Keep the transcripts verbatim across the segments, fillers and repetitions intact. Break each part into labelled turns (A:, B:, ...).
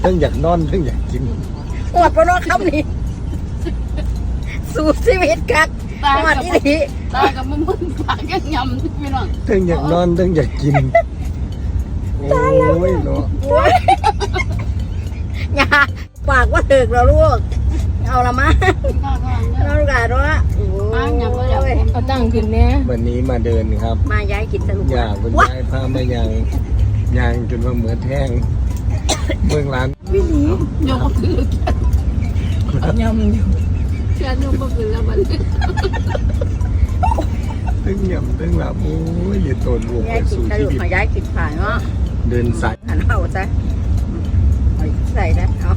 A: เพิ่งอยากนอนเพิ่งอยากกิน
B: หมดปนคำนี้สู่ชีวิตกักหมดอีหลี
C: ตากับมึงมึงปากยังยำพี่น้อง
A: เพิ่งอยากนอนเพิ่งอยากกินโอ้ยเนาะ
B: อย่าปากว่าถึกเราลูกเอาละมั้งเราลูกหลานว่า
C: เอาตั้งขึ้นแม่
A: วันนี้มาเดินครับ
B: มาย้ายกินสรุป
A: อยากคุณยายพามายังยังจนว่าเหมือนแห้งเมืองร้าน
C: วิ่งหนียกขึ้นยำอยู่เชื่อยกขึ้นแล้วมัน
A: ตึ้งยำตึ้งหลับโอ้ยอย่าโตนรวมไปสู่ชีวิต
B: ย้ายกินผ่านเนาะ
A: เดินสาย
B: หันเอาจ้ะใส่นะเอา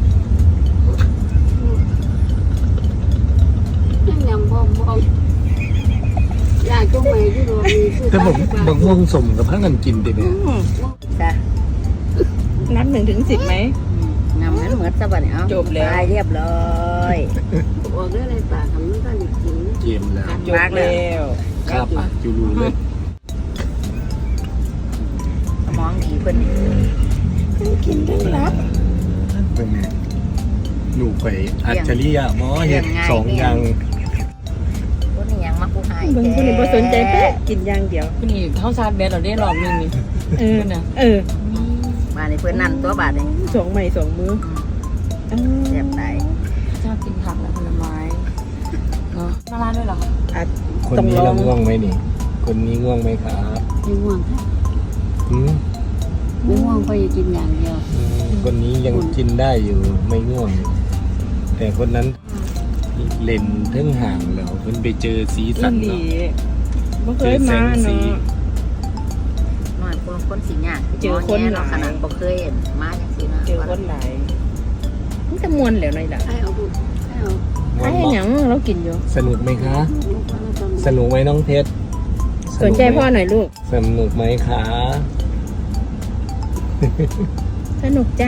C: ยังยำพอมพอมอยากจุ่มไปที่โรงมีคือ
A: แต่ผมบางม่วงสมกับพักกันกินดิเนี่ย
B: จ้ะ
C: นับหนึ่งถึงสิบไหม
B: นำนั้นเหมือนสวัสดิ์เอา
C: จบแล้ว
B: เรียบร้อย
C: ออกได้เลยปากทำนั่นก็ดีกิน
A: เกมแล้ว
C: จบแล้ว
A: ข้าปากจูรูเลย
B: สมองดีเพิ่น
C: ทั้งกินทั้งรับ
A: เป็นไงหนูไปอัจฉริยะหมอเห็ดสองอย่าง
B: พวกนี้ยังมาผู้ให้
C: บางคนไม่สนใจแค่กินอย่างเดียวคนนี้เข้าชาร์จแบตเราได้รอบนึงนี่เออนะเออ
B: มาในเพื่อนนั่นตัวบาทเอง
C: สองใหม่สองมือ
B: เสียบไหน
C: ชอบกินผักและผลไม้เนาะมาร้านด้วยเหรอ
A: คนนี้เราง่วงไหมนี่คนนี้ง่วงไหมครับ
C: ไม่ง่วงค่ะไม่ง่วงก็จะกินอย่างเดียว
A: คนนี้ยังกินได้อยู่ไม่ง่วงแต่คนนั้นเล่นเทั้งห่างแล้วเพิ่นไปเจอสีสันเนาะ
C: เจอแสงสี
B: หน่อยคนคนสีหยาเจอคนหลายขนาดบ่เคยเห็นมาอย่างสีนะ
C: เจอคนหลายมันจะมวนแล้วหน่อยล่ะให้เอาบุให้เอาให้หยังเรากินอยู่
A: สนุกไหมคะสนุกไหมน้องเพชร
C: สนใจพ่อหน่อยลูก
A: สนุกไหมคะ
C: สนุกจ้า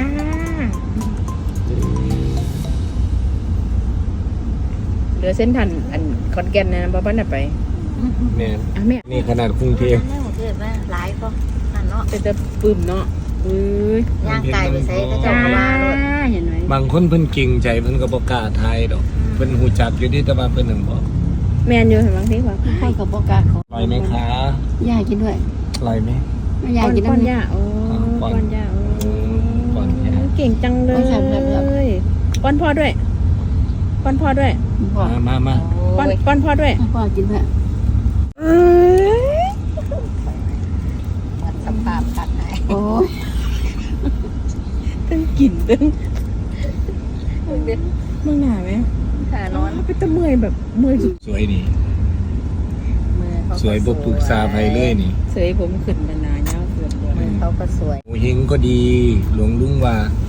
C: เหลือเส้นทันอันคอนแกนนะบ้านน่ะไป
A: เนี่ยนี่ขนาดกรุงเทพ
B: หลายก็นั่นเนาะ
C: จะจะปื้มเนาะอุ้ย
B: ย่างไก่ไปใส่ก็จะมา
C: เห็นไหม
A: บางคนเพิ่นเก่งใจเพิ่นก็บ่กล้าทายดอกเพิ่นหูจักอยู่ที่แต่ว่าเพิ่นหนึ่งบอก
C: แมนอยู่เห็นบางทีว่าใครกับบ่กล้า
A: อร่อยไหมคะ
C: ย่ากินด้วย
A: อร่อยไหม
C: ย่ากินป้อนย่าโอ้ป้อนย่าโอ้
A: ป้อนย่า
C: เก่งจังเลยป้อนพ่อด้วยป้อนพ่อด้วย
A: มามามา
C: ป้อนป้อนพ่อด้วยพ่อกินด้วย
B: สภาพกัดไหน
C: โอ้ยตึ้งกลิ่นตึ้งมึงหนาไหม
B: หานอน
C: ไปตะเมื่อยแบบเมื่อย
A: สวยนี่สวยบุกปุกซาไปเลยนี่
C: สวยผมขึ้นนานๆเนาะเกือบ
B: เขาก็สวย
A: โอ้เฮงก็ดีหลวงลุงว่า